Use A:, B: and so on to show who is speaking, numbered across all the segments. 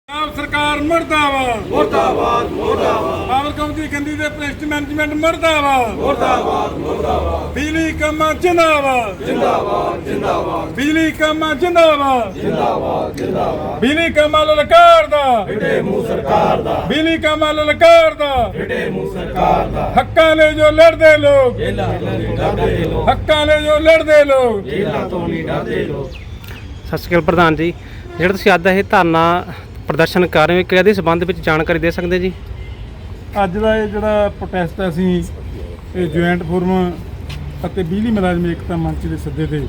A: सरकार मुर्दाबाद
B: मुर्दाबाद मुर्दाबाद
A: पावर कंपनी गंदी दे प्रेस्ट मैनेजमेंट मुर्दाबाद
B: मुर्दाबाद मुर्दाबाद
A: बिजली कामा जिंदाबाद
B: जिंदाबाद जिंदाबाद
A: बिजली कामा जिंदाबाद
B: जिंदाबाद जिंदाबाद
A: बिजली कामा ललकार दा
B: फिटे मुंह सरकार दा
A: बिजली कामा ललकार दा
B: फिटे मुंह सरकार दा
A: हक्कां ले जो लड़दे लोग
B: जेला तो नहीं डरदे लोग
A: हक्कां ले जो लड़दे लोग
B: जेला तो नहीं डरदे लोग।
C: ਸਤਿ ਸ਼੍ਰੀ ਅਕਾਲ ਪ੍ਰਧਾਨ ਜੀ, ਜਿਹੜਾ ਤੁਸੀਂ ਅੱਜ ਇਹ ਧਰਨਾ ਪ੍ਰਦਰਸ਼ਨ ਕਰ ਰਹੇ ਹੋ ਕਿਹਦੇ ਸੰਬੰਧ ਵਿੱਚ ਜਾਣਕਾਰੀ ਦੇ ਸਕਦੇ ਜੀ?
A: ਅੱਜ ਦਾ ਇਹ ਜਿਹੜਾ ਪ੍ਰੋਟੈਸਟ ਹੈ ਅਸੀਂ ਇਹ ਜੁਆਇੰਟ ਫੋਰਮ ਅਤੇ ਬਿਜਲੀ ਮੁਲਾਜ਼ਮ ਏਕਤਾ ਮੰਚ ਦੇ ਸੱਦੇ ਤੇ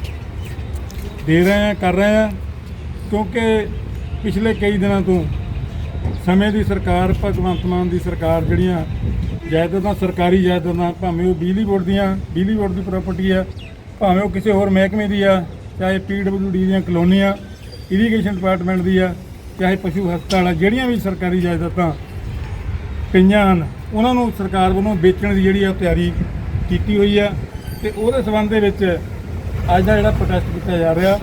A: ਦੇ ਰਹੇ ਹਾਂ ਕਰ ਰਹੇ ਹਾਂ ਕਿਉਂਕਿ ਪਿਛਲੇ ਕਈ ਦਿਨਾਂ ਤੋਂ ਸਮੇਂ ਦੀ ਸਰਕਾਰ ਭਗਵੰਤ ਮਾਨ ਦੀ ਸਰਕਾਰ ਜਿਹੜੀਆਂ ਜਾਇਦਾਦਾਂ ਸਰਕਾਰੀ ਜਾਇਦਾਦਾਂ ਭਾਵੇਂ ਉਹ ਬਿਜਲੀ ਬੋਰਡ ਦੀ ਪ੍ਰਾਪਰਟੀ ਆ ਭਾਵੇਂ ਉਹ ਕਿਸੇ ਹੋਰ ਮਹਿਕਮੇ ਦੀ ਆ ਚਾਹੇ PWD ਦੀਆਂ ਕਲੋਨੀਆਂ ਇਰੀਗੇਸ਼ਨ ਡਿਪਾਰਟਮੈਂਟ ਦੀ ਆ ਚਾਹੇ ਪਸ਼ੂ ਹਸਪਤਾਲ ਆ ਜਿਹੜੀਆਂ ਵੀ ਸਰਕਾਰੀ ਜਾਇਦਾਦਾਂ ਪਈਆਂ ਹਨ ਉਹਨਾਂ ਨੂੰ ਸਰਕਾਰ ਵੱਲੋਂ ਵੇਚਣ ਦੀ ਜਿਹੜੀ ਆ ਤਿਆਰੀ ਕੀਤੀ ਹੋਈ ਆ ਤੇ ਉਹਦੇ ਸੰਬੰਧ ਦੇ ਵਿੱਚ ਅੱਜ ਦਾ ਜਿਹੜਾ ਪ੍ਰੋਟੈਸਟ ਕੀਤਾ ਜਾ ਰਿਹਾ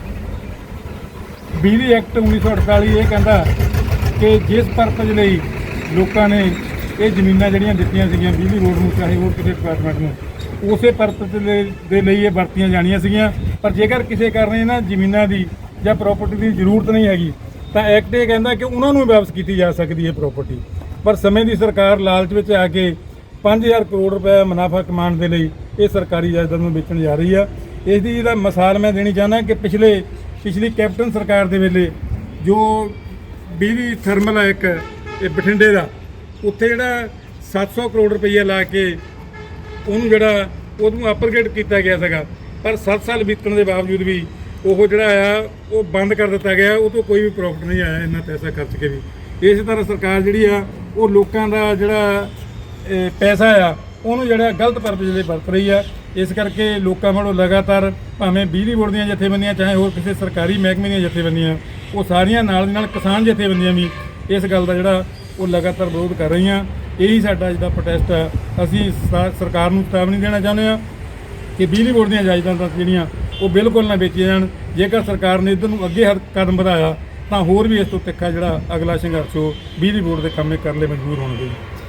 A: ਬਿਜਲੀ ਐਕਟ 1948 ਇਹ ਕਹਿੰਦਾ ਕਿ ਜਿਸ ਪਰਪਸ ਲਈ ਲੋਕਾਂ ਨੇ ਇਹ ਜ਼ਮੀਨਾਂ ਜਿਹੜੀਆਂ ਦਿੱਤੀਆਂ ਸੀਗੀਆਂ ਬਿਜਲੀ ਬੋਰਡ ਨੂੰ ਚਾਹੇ ਹੋਰ ਕਿਸੇ ਡਿਪਾਰਟਮੈਂਟ ਨੂੰ ਉਸੇ ਪਰਪਸ ਦੇ ਲਈ ਇਹ ਵਰਤੀਆਂ ਜਾਣੀਆਂ ਸੀਗੀਆਂ ਪਰ ਜੇਕਰ ਕਿਸੇ ਕਾਰਨ ਇਹਨਾਂ ਜ਼ਮੀਨਾਂ ਦੀ ਜਾਂ ਪ੍ਰਾਪਰਟੀ ਦੀ ਜ਼ਰੂਰਤ ਨਹੀਂ ਹੈਗੀ ਤਾਂ ਐਕਟ ਇਹ ਕਹਿੰਦਾ ਕਿ ਉਹਨਾਂ ਨੂੰ ਵਾਪਸ ਕੀਤੀ ਜਾ ਸਕਦੀ ਹੈ ਪ੍ਰਾਪਰਟੀ। ਪਰ ਸਮੇਂ ਦੀ ਸਰਕਾਰ ਲਾਲਚ ਵਿੱਚ ਆ ਕੇ 5000 ਕਰੋੜ ਰੁਪਏ ਮੁਨਾਫਾ ਕਮਾਉਣ ਦੇ ਲਈ ਇਹ ਸਰਕਾਰੀ ਜਾਇਦਾਦ ਨੂੰ ਵੇਚਣ ਜਾ ਰਹੀ ਆ। ਇਸ ਦੀ ਜਿਹੜਾ ਮਿਸਾਲ ਮੈਂ ਦੇਣੀ ਚਾਹੁੰਦਾ ਕਿ ਪਿਛਲੀ ਕੈਪਟਨ ਸਰਕਾਰ ਦੇ ਵੇਲੇ ਜੋ ਬਿਜਲੀ ਥਰਮਲ ਹੈ ਇੱਕ ਇਹ ਬਠਿੰਡੇ ਦਾ ਉੱਥੇ ਜਿਹੜਾ 700 ਕਰੋੜ ਰੁਪਈਆ ਲਾ ਕੇ ਉਹਨੂੰ ਜਿਹੜਾ ਉਹਨੂੰ ਅਪਗ੍ਰੇਡ ਕੀਤਾ ਗਿਆ ਸੀਗਾ ਪਰ 7 ਸਾਲ ਬੀਤਣ ਦੇ ਬਾਵਜੂਦ ਵੀ ਉਹ ਜਿਹੜਾ ਆ ਉਹ ਬੰਦ ਕਰ ਦਿੱਤਾ ਗਿਆ। ਉਹ ਤੋਂ ਕੋਈ ਵੀ ਪ੍ਰੋਫਿਟ ਨਹੀਂ ਆਇਆ ਇੰਨਾ ਪੈਸਾ ਖਰਚ ਕੇ ਵੀ। ਇਸੇ ਤਰ੍ਹਾਂ ਸਰਕਾਰ ਜਿਹੜੀ ਆ ਉਹ ਲੋਕਾਂ ਦਾ ਜਿਹੜਾ ਪੈਸਾ ਆ ਉਹਨੂੰ ਜਿਹੜਾ ਗਲਤ ਪਰਪਸ ਲਈ ਵਰਤ ਰਹੀ ਆ। ਇਸ ਕਰਕੇ ਲੋਕਾਂ ਵੱਲੋਂ ਲਗਾਤਾਰ ਭਾਵੇਂ ਬਿਜਲੀ ਬੋਰਡ ਦੀਆਂ ਜਥੇਬੰਦੀਆਂ ਚਾਹੇ ਹੋਰ ਕਿਸੇ ਸਰਕਾਰੀ ਮਹਿਕਮੇ ਦੀਆਂ ਜਥੇਬੰਦੀਆਂ ਉਹ ਸਾਰੀਆਂ ਨਾਲ ਦੀ ਨਾਲ ਕਿਸਾਨ ਜਥੇਬੰਦੀਆਂ ਵੀ ਇਸ ਗੱਲ ਦਾ ਜਿਹੜਾ ਉਹ ਲਗਾਤਾਰ ਵਿਰੋਧ ਕਰ ਰਹੀਆਂ। ਇਹੀ ਸਾਡਾ ਅੱਜ ਦਾ ਪ੍ਰੋਟੈਸਟ ਆ। ਅਸੀਂ ਸਰਕਾਰ ਨੂੰ ਚੇਤਾਵਨੀ ਦੇਣਾ ਚਾਹੁੰਦੇ ਹਾਂ ਕਿ ਬਿਜਲੀ ਬੋਰਡ ਦੀਆਂ ਜਾਇਦਾਦਾਂ ਜਿਹੜੀਆਂ ਉਹ ਬਿਲਕੁਲ ਨਾ ਵੇਚੀਆਂ ਜਾਣ। ਜੇਕਰ ਸਰਕਾਰ ਨੇ ਇੱਧਰ ਨੂੰ ਅੱਗੇ ਕਦਮ ਵਧਾਇਆ ਤਾਂ ਹੋਰ ਵੀ ਇਸ ਤੋਂ ਤਿੱਖਾ ਜਿਹੜਾ ਅਗਲਾ ਸੰਘਰਸ਼ ਉਹ ਬਿਜਲੀ ਬੋਰਡ ਦੇ ਕੰਮੇ ਕਰਨ ਲਈ ਮਜਬੂਰ ਹੋਣਗੇ।